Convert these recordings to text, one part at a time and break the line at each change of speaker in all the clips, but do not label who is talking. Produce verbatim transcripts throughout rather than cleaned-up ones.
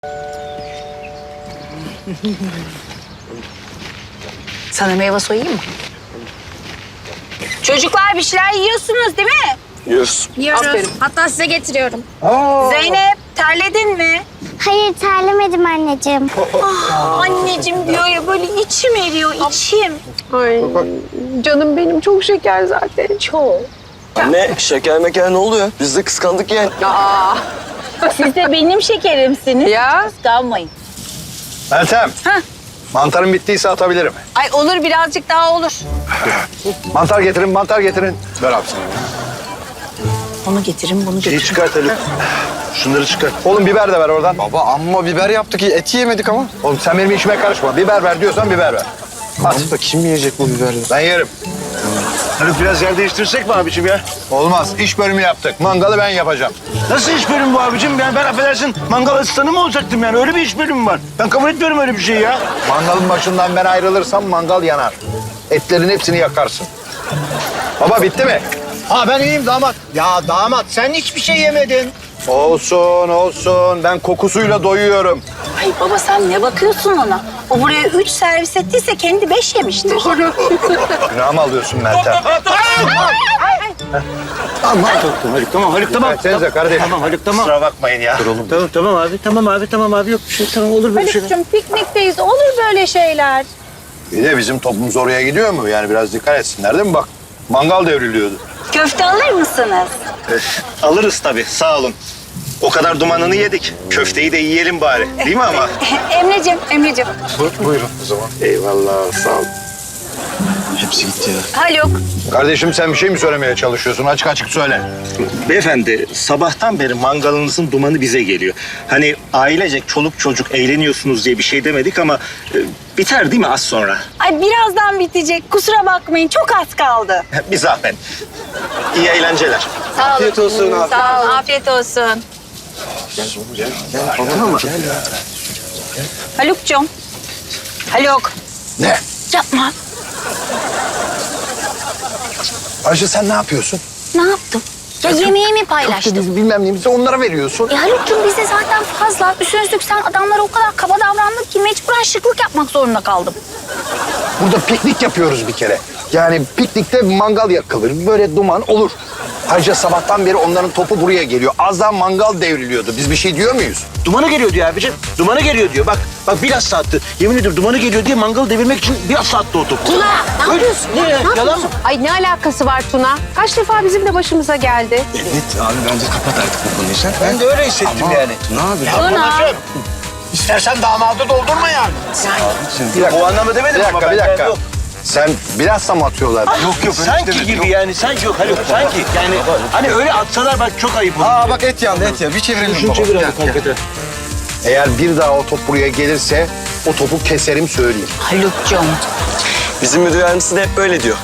Sana meyve soyayım mı? Çocuklar bir şeyler yiyorsunuz değil mi?
Yiyoruz.
Yiyoruz.
Aferin.
Hatta size getiriyorum.
Zeynep terledin mi?
Hayır terlemedim anneciğim.
Ah, anneciğim diyor ya böyle içim eriyor içim.
Ay canım benim çok şeker zaten. Çok.
Anne şeker meker ne oluyor? Biz de kıskandık yani.
Aa.
Siz de benim şekerimsiniz.
Ya.
Kıskanmayın.
Meltem.
Heh.
Mantarım bittiyse atabilirim.
Ay olur birazcık daha olur.
Mantar getirin, mantar getirin. Ver abi sana.
Onu getirin bunu
Şeyi
getirin.
çıkart Haluk. Şunları çıkart. Oğlum biber de ver oradan.
Baba amma biber yaptık. Eti yemedik ama.
Oğlum sen benim işime karışma. Biber ver diyorsan biber ver. At.
Da kim yiyecek bu biberleri?
Ben yerim.
Haluk biraz yer değiştirsek mi abicim ya?
Olmaz. İş bölümü yaptık. Mangalı ben yapacağım.
Nasıl iş bölümü bu abicim? Yani ben affedersin mangal asistanı mı olacaktım yani? Öyle bir iş bölümü var. Ben kabul etmiyorum öyle bir şey ya.
Mangalın başından ben ayrılırsam mangal yanar. Etlerin hepsini yakarsın. Baba bitti mi?
Ha ben iyiyim damat. Ya damat sen hiçbir şey yemedin.
Olsun, olsun. Ben kokusuyla doyuyorum.
Ay baba sen ne bakıyorsun ona? O buraya üç servis ettiyse kendi beş yemiştir. Doğru.
Günah mı alıyorsun Meltem?
Tamam Haluk tamam Haluk tamam.
Versenize kardeşim.
Tamam Haluk tamam.
Kusura bakmayın ya.
Tamam tamam abi tamam abi tamam abi yok bir şey tamam olur böyle şeyler.
Haluk'cum piknikteyiz. Olur böyle şeyler.
Bir de bizim toplumumuz oraya gidiyor mu? Yani biraz dikkat etsinler değil mi? Bak mangal devriliyordu.
Köfte alır mısınız?
Alırız tabii, sağ olun. O kadar dumanını yedik. Köfteyi de yiyelim bari. Değil mi ama?
Emreciğim, Emreciğim.
Buyurun o zaman.
Eyvallah sağ ol. Hepsi gitti ya.
Haluk.
Kardeşim sen bir şey mi söylemeye çalışıyorsun? Açık açık söyle.
Beyefendi, sabahtan beri mangalınızın dumanı bize geliyor. Hani ailecek çoluk çocuk eğleniyorsunuz diye bir şey demedik ama... e, biter değil mi az sonra?
Ay birazdan bitecek. Kusura bakmayın. Çok az kaldı.
Bir zahmet. İyi eğlenceler.
Sağ olun.
Afiyet olsun abi.
Sağ olun. Afiyet olsun. Haluk'cum. Haluk.
Ne?
Yapma.
Ayşe sen ne yapıyorsun?
Ne yaptım? Ya yemeğimi paylaştım.
Biz bilmem neyimizi onlara veriyorsun.
E Haluk'cum bizde zaten fazla. Üstüne üstlük sen adamlara o kadar kaba davrandın ki mecburen şıklık yapmak zorunda kaldım.
Burada piknik yapıyoruz bir kere. Yani piknikte mangal yakılır. Böyle duman olur. Ayrıca sabahtan beri onların topu buraya geliyor. Az daha mangal devriliyordu. Biz bir şey diyor muyuz?
Dumanı geliyor diyor abicim. Dumanı geliyor diyor. Bak bak biraz saatti. Yemin ediyorum dumanı geliyor diye mangalı devirmek için biraz saatte o top.
Tuna ne yapıyorsun?
Ne?
Ne
Yalan
yapıyorsun?
mı?
Ay ne alakası var Tuna? Kaç defa bizim de başımıza geldi.
Evet abi bence kapat artık bu konuyu sen.
Ben de öyle hissettim yani.
Ne abi?
Babacığım, İstersen damadı doldurma yani.
Bir dakika.
O anlamda demedim
Bir
ama
dakika,
ben
bir dakika.
Yok
Sen bilhassa mı atıyorlar?
yok, yok sanki gibi yani sanki yok Haluk sanki yani hani öyle atsalar bak çok ayıp olur.
Aa bak et yandı et ya. Bir çevirelim
Şunu
baba.
çevir
Gel,
abi
gel.
hakikaten.
Eğer bir daha o top buraya gelirse o topu keserim söyleyeyim.
Haluk'cum.
Bizim müdür yardımcısı da hep böyle diyor.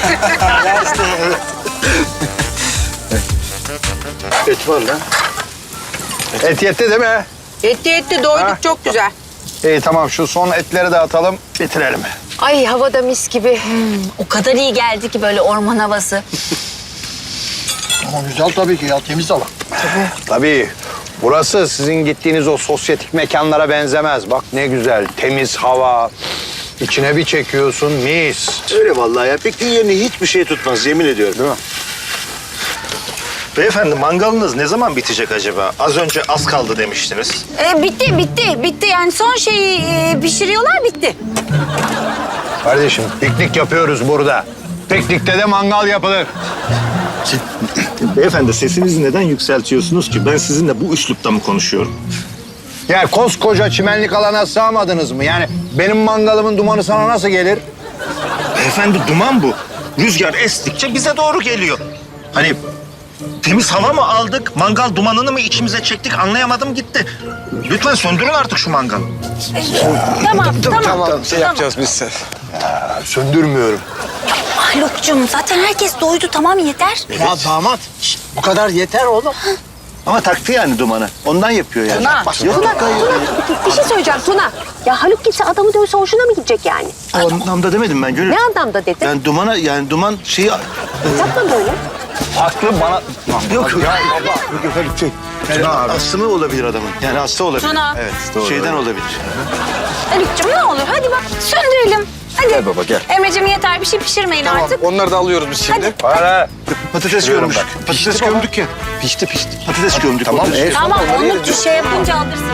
Et var lan.
Et yetti değil mi?
Yetti yetti doyduk
Ha?
çok güzel.
İyi tamam şu son etleri de atalım bitirelim.
Ay havada mis gibi.
O kadar iyi geldi ki böyle orman havası.
Ama güzel tabii ki ya temiz hava. Tabii. Tabii. Burası sizin gittiğiniz o sosyetik mekanlara benzemez. Bak ne güzel temiz hava. İçine bir çekiyorsun mis.
Öyle vallahi ya. Pikniğin yerini hiçbir şey tutmaz yemin ediyorum.
Değil mi?
Beyefendi mangalınız ne zaman bitecek acaba? Az önce az kaldı demiştiniz.
E, bitti, bitti, bitti. Yani son şeyi e, pişiriyorlar, bitti.
Kardeşim piknik yapıyoruz burada. Piknikte de mangal yapılır.
Beyefendi sesinizi neden yükseltiyorsunuz ki? Ben sizinle bu üslupta mı konuşuyorum?
Yani koskoca çimenlik alana sığamadınız mı? Yani benim mangalımın dumanı sana nasıl gelir?
Beyefendi duman bu. Rüzgar estikçe bize doğru geliyor. Hani temiz hava mı aldık, mangal dumanını mı içimize çektik anlayamadım gitti. Lütfen söndürün artık şu mangalı.
Tamam, tamam.
Tamam şey yapacağız biz sen.
Ya, söndürmüyorum.
Haluk'cum zaten herkes doydu, tamam yeter.
Ya damat şişt, bu kadar yeter oğlum. Ama taktı yani dumanı. Ondan yapıyor yani.
Tuna.
Bak, yok,
Tuna,
yok, hayır.
Tuna bir şey söyleyeceğim Tuna. Ya Haluk gitse adamı dövse hoşuna mı gidecek yani?
O anlamda demedim ben Gönül.
Ne anlamda dedin?
Yani dumana yani duman şeyi...
Yapma böyle.
Haklı bana...
Yok yok.
Ya baba.
Yok yok Haluk şey. Astımı olabilir adamın. Yani hasta olabilir.
Tuna.
Evet doğru. Şeyden olabilir.
Haluk'cum ne olur hadi bak söndürelim. Hadi.
Gel baba gel.
Emre'cim yeter bir şey pişirmeyin artık.
Onları da alıyoruz biz şimdi.
Hala.
Patates
Biliyorum
gömdük.
ben.
Patates
Pişti baba.
gömdük ya.
Pişti pişti.
Patates gömdük.
Tamam,
orada.
e,
Tamam
Onları
onu
yeriz.
bir şey yapınca alırsın.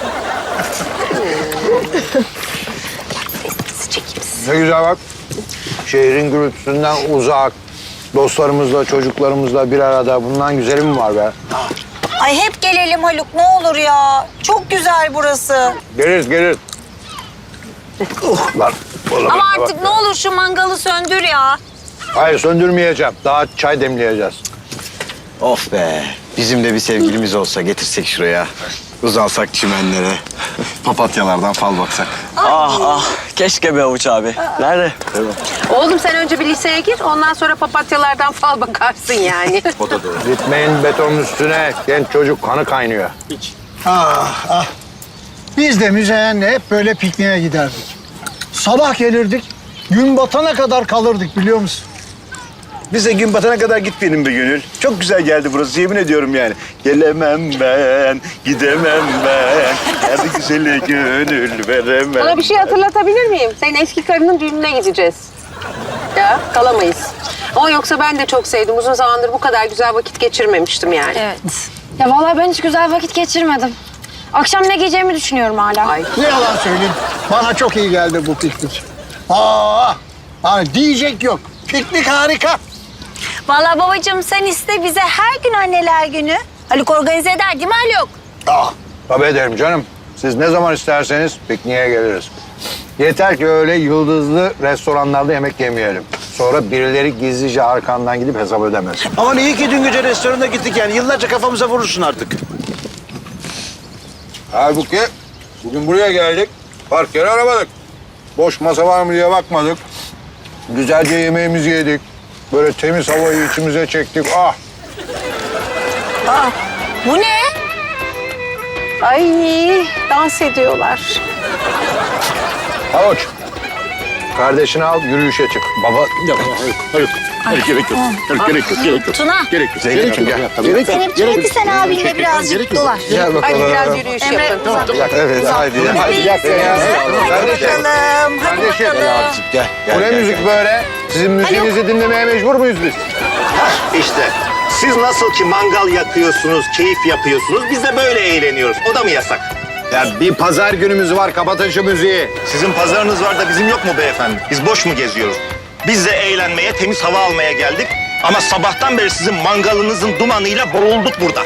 Ne güzel bak. Şehrin gürültüsünden uzak. Dostlarımızla, çocuklarımızla bir arada. Bundan güzeli mi var be?
Ay hep gelelim Haluk ne olur ya. Çok güzel burası.
Geliriz, geliriz. Oh, lan. oğlum,
Ama
bak.
artık ne olur şu mangalı söndür ya.
Hayır, söndürmeyeceğim. Daha çay demleyeceğiz.
Of be. Bizim de bir sevgilimiz olsa getirsek şuraya. Uzansak çimenlere. Papatyalardan fal baksak.
Ah ah keşke be Avuç abi. Nerede?
Oğlum sen önce bir liseye gir, ondan sonra papatyalardan fal bakarsın yani.
O da doğru.
Gitmeyin betonun üstüne. Genç çocuk kanı kaynıyor.
Ah ah. Biz de Müzeyyen'le hep böyle pikniğe giderdik. Sabah gelirdik, gün batana kadar kalırdık biliyor musun?
Bize gün batana kadar gitmeyelim be Gönül. Çok güzel geldi burası yemin ediyorum yani. Gelemem ben, gidemem ben. Hadi güzele gönül veremem.
Sana bir şey hatırlatabilir miyim? Senin eski karının düğününe gideceğiz. Ya kalamayız. Ama yoksa ben de çok sevdim. Uzun zamandır bu kadar güzel vakit geçirmemiştim yani.
Evet.
Ya vallahi ben hiç güzel vakit geçirmedim. Akşam ne giyeceğimi düşünüyorum hala.
Ay.
Ne yalan söyleyeyim, bana çok iyi geldi bu piknik. Aa, ha, diyecek yok. Piknik harika.
Vallahi babacığım sen iste bize her gün anneler günü. Haluk organize eder değil mi Haluk?
Ah, tabii ederim canım. Siz ne zaman isterseniz pikniğe geliriz. Yeter ki öyle yıldızlı restoranlarda yemek yemeyelim. Sonra birileri gizlice arkandan gidip hesap ödemez.
Aman iyi ki dün gece restorana gittik yani. Yıllarca kafamıza vurursun artık.
Halbuki bugün buraya geldik. Park yeri aramadık. Boş masa var mı diye bakmadık. Güzelce yemeğimizi yedik. Böyle temiz havayı içimize çektik. Ah!
Bu ne?
Ay dans ediyorlar.
Havuç. Kardeşini al, yürüyüşe çık. Baba...
Hayır gerek yok. Hayır, gerek yok. Gerek yok.
Tuna.
Gerek yok.
Zeynep'ciğim gel. Gerek yok.
Zeynep'ciğim hadi sen abinle birazcık dolaş.
Gel bakalım.
Hadi biraz yürüyüş
Emre
yapın.
uzat.
Evet hadi.
Hadi
Hadi
gel.
Hadi
Kardeşim.
bakalım. Hadi
Kardeşim.
bakalım.
Gel.
Bu ne müzik böyle? Sizin müziğinizi dinlemeye mecbur muyuz biz?
İşte siz nasıl ki mangal yakıyorsunuz, keyif yapıyorsunuz, biz de böyle eğleniyoruz. O da mı yasak?
Ya bir pazar günümüz var. Kapatın şu müziği.
Sizin pazarınız var da bizim yok mu beyefendi? Biz boş mu geziyoruz? Biz de eğlenmeye, temiz hava almaya geldik. Ama sabahtan beri sizin mangalınızın dumanıyla boğulduk burada.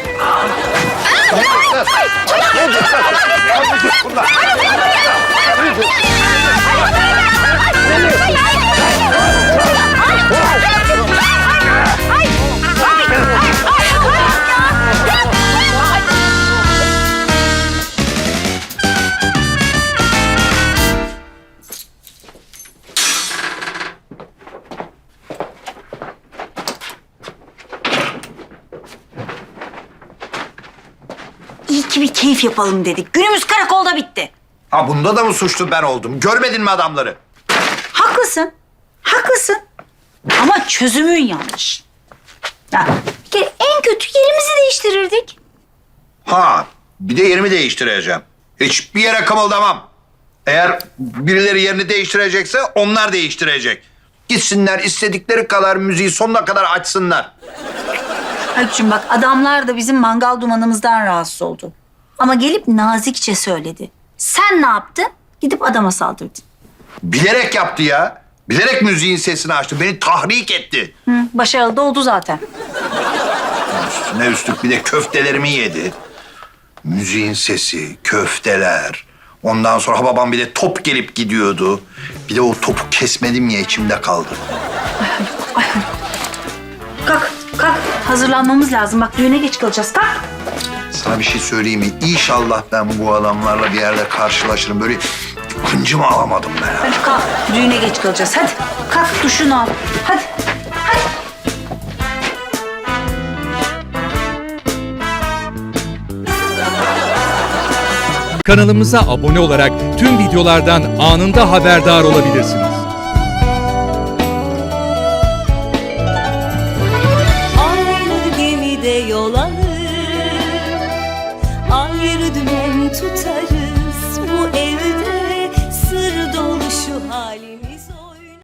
İyi ki bir keyif yapalım dedik. Günümüz karakolda bitti.
Ha bunda da mı suçlu ben oldum? Görmedin mi adamları?
Haklısın. Haklısın. Ama çözümün yanlış. Ya, bir kere en kötü yerimizi değiştirirdik.
Ha bir de yerimi değiştireceğim. Hiçbir yere kımıldamam. Eğer birileri yerini değiştirecekse onlar değiştirecek. Gitsinler istedikleri kadar müziği sonuna kadar açsınlar.
Haluk'cum bak adamlar da bizim mangal dumanımızdan rahatsız oldu. Ama gelip nazikçe söyledi. Sen ne yaptın? Gidip adama saldırdın.
Bilerek yaptı ya. Bilerek müziğin sesini açtı. Beni tahrik etti.
Hı, başarılı da oldu zaten.
Üstüne üstlük bir de köftelerimi yedi. Müziğin sesi, köfteler. Ondan sonra babam bir de top gelip gidiyordu. Bir de o topu kesmedim ya içimde kaldı.
Kalk, kalk. Hazırlanmamız lazım. Bak düğüne geç kalacağız. Kalk.
Sana bir şey söyleyeyim mi? İnşallah ben bu adamlarla bir yerde karşılaşırım. Böyle kıncımı alamadım ben.
Hadi kalk. Düğüne geç kalacağız. Hadi. Kalk duşunu al. Hadi. Hadi.
Kanalımıza abone olarak tüm videolardan anında haberdar olabilirsiniz.